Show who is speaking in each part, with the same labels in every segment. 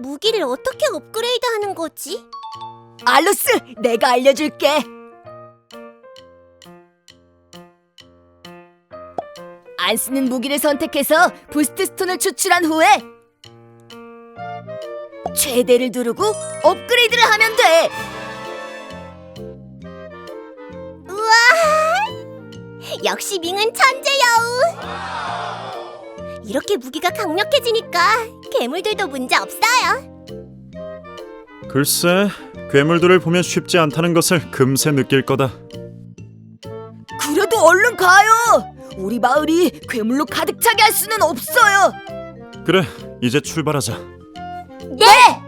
Speaker 1: 무기를 어떻게 업그레이드하는 거지?
Speaker 2: 알로스, 내가 알려줄게. 안 쓰는 무기를 선택해서 부스트 스톤을 추출한 후에 최대를 누르고 업그레이드를 하면 돼.
Speaker 1: 우와! 역시 밍은 천재여우! 이렇게 무기가 강력해지니까 괴물들도 문제 없어요.
Speaker 3: 글쎄, 괴물들을 보면 쉽지 않다는 것을 금세 느낄 거다.
Speaker 2: 그래도 얼른 가요. 우리 마을이 괴물로 가득 차게 할 수는 없어요.
Speaker 3: 그래, 이제 출발하자.
Speaker 2: 네!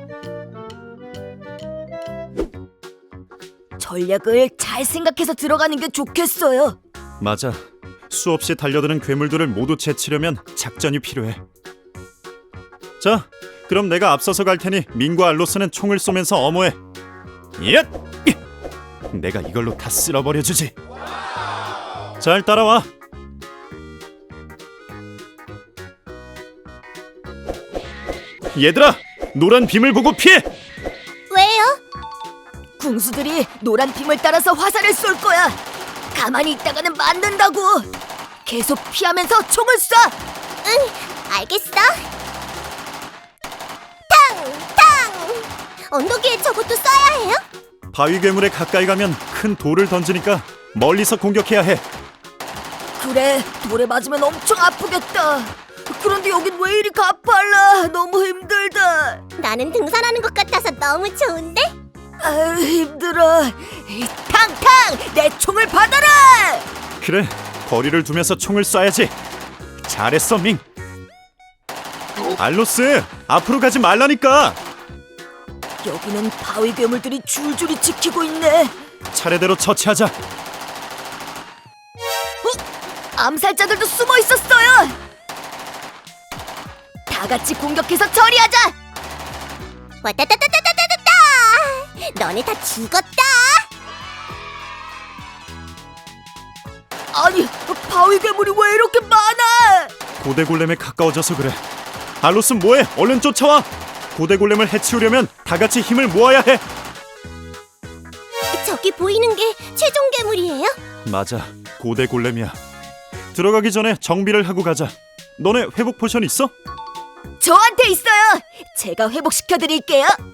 Speaker 2: 전략을 잘 생각해서 들어가는 게 좋겠어요.
Speaker 3: 맞아. 수없이 달려드는 괴물들을 모두 제치려면 작전이 필요해. 자, 그럼 내가 앞서서 갈 테니 민과 알로스는 총을 쏘면서 엄호해. 얏! 내가 이걸로 다 쓸어버려주지. 잘 따라와. 얘들아, 노란 빔을 보고 피해!
Speaker 1: 왜요?
Speaker 2: 궁수들이 노란 빔을 따라서 화살을 쏠 거야. 가만히 있다가는 맞는다고. 계속 피하면서 총을 쏴.
Speaker 1: 응, 알겠어. 탕! 탕! 언덕 위에 저것도 쏴야 해요?
Speaker 3: 바위 괴물에 가까이 가면 큰 돌을 던지니까 멀리서 공격해야 해.
Speaker 2: 그래, 돌에 맞으면 엄청 아프겠다. 그런데 여긴 왜 이리 가팔라. 너무 힘들다.
Speaker 1: 나는 등산하는 것 같아서 너무 좋은데?
Speaker 2: 아유, 힘들어. 탕탕! 내 총을 받아라!
Speaker 3: 그래, 거리를 두면서 총을 쏴야지. 잘했어, 밍. 알로스, 앞으로 가지 말라니까.
Speaker 2: 여기는 바위 괴물들이 줄줄이 지키고 있네.
Speaker 3: 차례대로 처치하자.
Speaker 2: 암살자들도 숨어 있었어요. 다 같이 공격해서 처리하자.
Speaker 1: 와따따따따따따따! 너네 다 죽었다!
Speaker 2: 아니, 바위 괴물이 왜 이렇게 많아?
Speaker 3: 고대 골렘에 가까워져서 그래. 알로스 뭐해? 얼른 쫓아와. 고대 골렘을 해치우려면 다 같이 힘을 모아야 해.
Speaker 1: 저기 보이는 게 최종 괴물이에요?
Speaker 3: 맞아, 고대 골렘이야. 들어가기 전에 정비를 하고 가자. 너네 회복 포션 있어?
Speaker 2: 저한테 있어요. 제가 회복시켜드릴게요.